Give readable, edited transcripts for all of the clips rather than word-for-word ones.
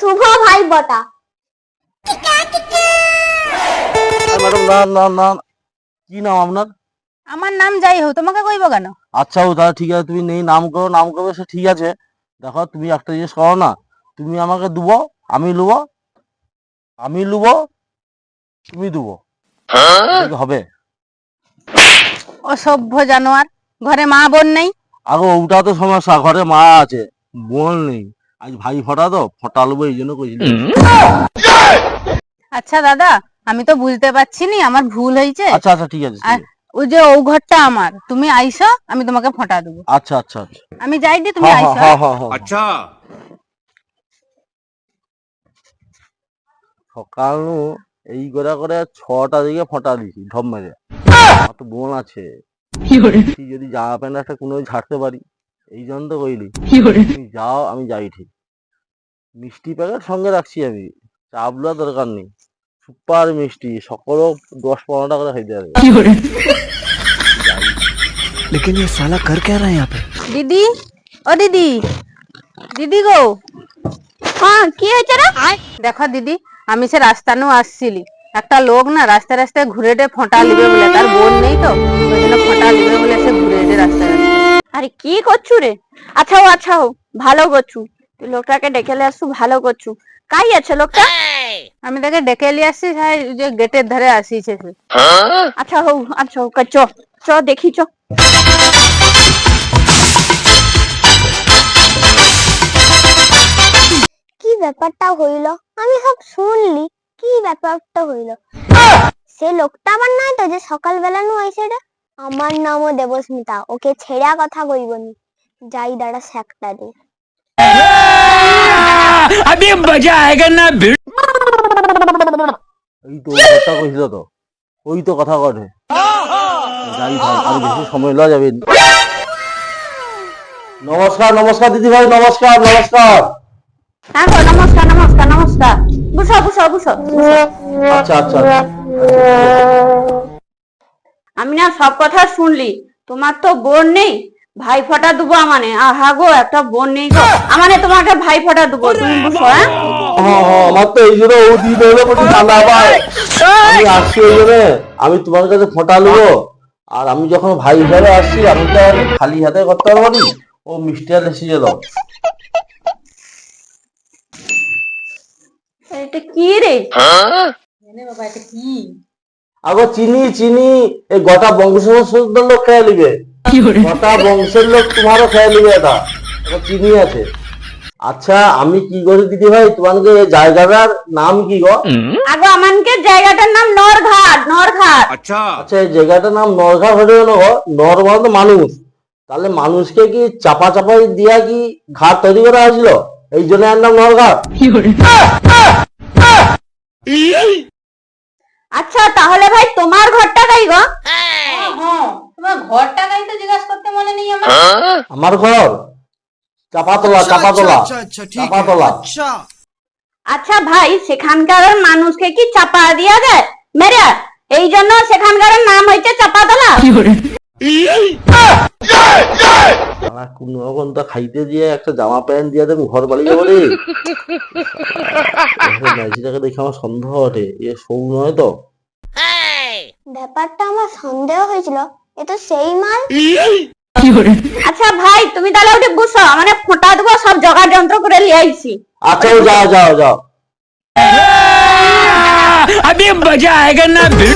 শুভ ভাই বটা। ম্যাডাম না না না, কি নাম আপনার? আমার নাম যাই হোক, তোমাকে কইব কেন? আচ্ছা ও দাদা ঠিক আছে, তুমি নেই নাম করো, নাম করবে সে ঠিক আছে। দেখো তুমি একটা জিনিস করো না, তুমি আমাকে দেবো, আমি লুবো, আমি লুবো, তুমি দেবো, এটা কি হবে? অসভ্য জানোয়ার, ঘরে মা বোন নেই? আগে ওটা তো সমস্যা, ঘরে মা আছে, বোন নেই। আজ ভাই ফোটা তো ফোটালবো, এই জন্য কইছিলাম। আচ্ছা দাদা, আমি তো বুঝতে পারছি নি, আমার ভুল হয়েছে। আচ্ছা আচ্ছা ঠিক আছে, ঠিক আর আছে। ওই যে ও ঘরটা আমার, তুমি আইসো, আমি তোমাকে ফোঁটা দেবো। আচ্ছা আচ্ছা আচ্ছা। আমি যাই দি, তুমি হ্যাঁ হ্যাঁ আইসো। হ্যাঁ হ্যাঁ হ্যাঁ। अच्छा সকাল নু এই করে 6টা দিকে ফোঁটা দিছি ঢপ মেরে। আমার তো বোন আছে, যদি জামা প্যান্ট একটা কোনো ঝাড়তে পারি, এই জন্য তো কইলি। তুমি যাও, আমি যাই ঠিক। মিষ্টি প্যাকেট সঙ্গে রাখছি আমি, চাবলা দরকার নেই, সুপার মিষ্টি, সকলও 10-15টা করে খাইতে হবে। लेकिन ये साला कर क्या रहा है यहाँ पे। দিদি, ও দিদি, দিদি গো। হ্যাঁ, কি হয়েছে রে? দেখো দিদি, আমি সে রাস্তা নু আসছিলি, একটা লোক না রাস্তায় রাস্তায় ঘুরে ফোঁটা লিবে বলে, তার বোন নেই তো, ওই জন্য ফোঁটা লিবে বলে সে ঘুরে রাস্তায় রাস্তায়। আরে কি করছু রে? আচ্ছা হো, ভালো করছু, তুই লোকটাকে ডেকে নিয়ে আসছু, ভালো করছু। কাই আছে লোকটা? আমি তাকে ডেকে নিয়ে আসছি, যে গেটের ধারে আসিছে সে। আচ্ছা হো, চ চ দেখি চ। কি ব্যাপারটা হইল? আমি সব শুনলি, কি ব্যাপারটা হইল? সে লোকটা আমার নাই তো, যে সকালবেলা নু আইছে রে? আমার নামও দেবস্মিতা, ওকে ছেড়া কথা কইবনি। যাই দাঁড়া সেকটা দে। अभी मजा आएगा ना भिड़। এই তো কথা কইছিল তো, ওই তো কথা কটে। যাই ভাই, আর বেশি সময় লওয়া যাবে না। নমস্কার নমস্কার দিদি ভাই, নমস্কার নমস্কার। হ্যাঁ গো, নমস্কার নমস্কার নমস্কার। বুঝো বুঝো বুঝো। আচ্ছা আচ্ছা আচ্ছা। আমি না সব কথা শুনলি, তোমার তো বোন নেই, ভাই ফোঁটা দেবো আমানে। আহা গো, একটা বোন নেই গো, আমানে তোমাকে ভাই ফোঁটা দেবো, তুমি বুঝো। হ্যাঁ হ্যাঁ হ্যাঁ, আমার তো এই জন্য ও দিতে হলো প্রতি ঠান্ডা আবার। আমি আসছি ওই জন্য, আমি তোমার কাছে ফোঁটা নেবো। আর আমি যখন ভাই হিসাবে আসছি, আমি তো আর খালি হাতে করতে পারবো না। ও মিষ্টি আর এসে যেত। এটা কি রে? বাবা এটা কি? আগো চিনি চিনি, এই গোটা বংশের লোক খেয়ে নিবে, গোটা বংশের লোক তোমারও খেয়ে নিবে এটা। এটা চিনি আছে। আচ্ছা আমি কি করি দিদি ভাই, তোমাকে এই জায়গাটার নাম কি গো? আগো আমানকে জায়গাটার নাম নরঘাট, নরঘাট। अच्छा আচ্ছা এই জায়গাটার নাম নরঘাট হলে না গো, নর মানে তো মানুষ, তাহলে মানুষকে কি চাপা চাপাই দিয়া কি ঘাট তৈরি করা হয়েছিল, এই জন্য এর নাম নরঘাট। আচ্ছা তাহলে ভাই তোমার ঘরটা কাই গো? হ্যাঁ, তোমার ঘরটা কাই তো জিজ্ঞাসা করতে মনে নেই আমার। আমার ঘর চাপাতলা, চাপাতলা, চাপাতলা। আচ্ছা ভাই, সেখানকার মানুষকে কি চাপা দিয়া যায় মেরে? এই জন্য সেখানকার নাম হয়েছে চাপাতলা। কোন রকম তো খাইতে দিয়ে একটা জামা প্যান্ট দিয়ে দেন, ঘর বাড়ি যাবো রে। নাইজিটাকে দেখে আমার সন্দেহ ওঠে, এ সৌ নয় তো। ব্যাপারটা আমার সন্দেহ হয়েছিল, এ তো সেই মাল। আচ্ছা ভাই, তুমি তাহলে ওটা বুঝো, মানে ফোঁটা দেবো, সব জোগাড় যন্ত্র করে নিয়ে আইছি। আচ্ছা ও যাও যাও যাও। अभी मजा आएगा ना भिड़।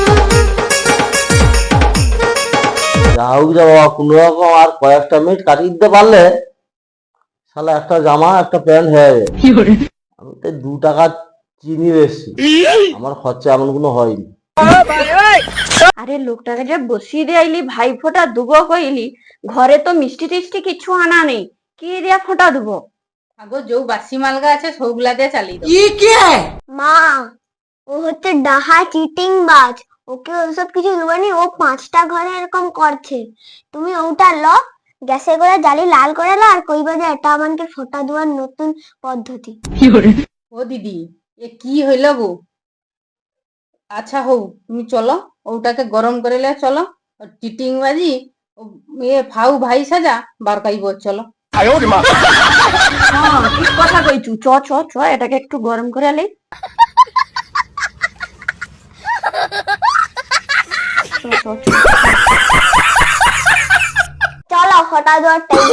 যা হোক যা বাবা, কোন রকম আর কয়েকটা মিনিট কাটিয়ে দিতে পারলে শালা একটা জামা একটা প্যান্ট হয়ে যাবে। আমি তো 2 টাকা চিনি এসছি, আমার খরচা এমন কোনো হয়নি। আরে লোকটাকে যে বসিয়ে দিয়ে আইলি, ভাই ফোঁটা দুবো কইলি, ঘরে তো মিষ্টি টিষ্টি কিছু আনা নেই, কি দিয়া ফোঁটা দুবো? আগো যৌ বাসি মালগা আছে সৌগুলা দিয়ে চালিয়ে দাও। মা, ও হচ্ছে ডাহা চিটিং বাজ, ওকে ওসব কিছু দেবনি, ও 5টা ঘরে এরকম করছে। তুমি ওটা ল, গ্যাসে করে জালি লাল করে লো, আর কইবা যে এটা আমাকে ফোঁটা দেওয়ার নতুন পদ্ধতি। ও দিদি, এ কি হইল গো? আচ্ছা হৌ, তুমি চলো, ওটাকে গরম করে লে চলো, চিটিং বাজি, এ ফাউ ভাই সাজা বার কাইব, চলো। হ্যাঁ ঠিক কথা কইছু, চ চ চ এটাকে একটু গরম করে আলি। চলো ফটা দেওয়ার টাইম।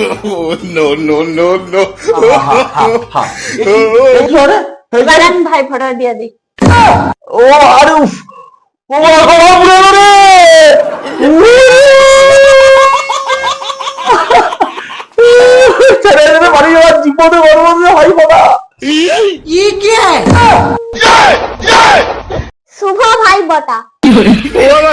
এবার আমি ভাই ফটো দিয়ে দিই। ও আরে উফ, ও মা গো, পুড়ে গেল রে। ছেড়ে ছেড়ে বাড়ি যাওয়ার জীবনে বড় বড় ভাই বাবা। শুভ ভাই বটা।